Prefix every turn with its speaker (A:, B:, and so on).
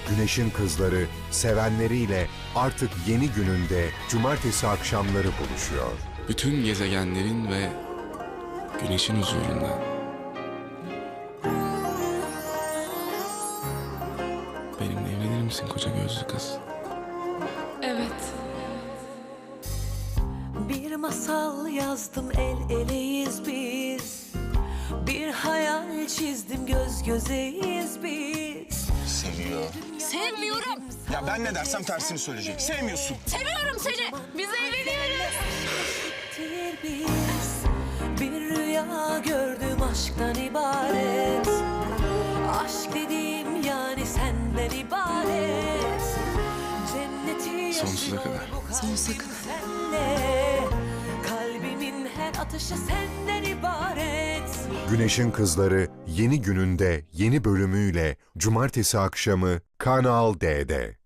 A: Güneşin Kızları sevenleriyle artık yeni gününde cumartesi akşamları buluşuyor.
B: Bütün gezegenlerin ve güneşin huzurunda. Benimle evlenir misin koca gözlü kız?
C: Evet.
D: Bir masal yazdım, el eleyiz biz. Bir hayal çizdim, göz gözeyiz biz.
E: Seviyor.
C: Sevmiyorum.
E: Ya ben ne dersem tersini söyleyecek. Sevmiyorsun.
C: Seviyorum seni. Biz evleniyoruz.
D: Biz bir rüya gördüm, aşktan ibaret. Aşk dediğim yani senden ibaret. Cenneti
B: Sonsuza
D: yaşıyor
B: kadar.
D: bu kalbim
C: Sonsuza kadar.
D: senle. Kalbimin her atışı senden ibaret.
A: Güneşin Kızları yeni gününde yeni bölümüyle cumartesi akşamı Kanal D'de.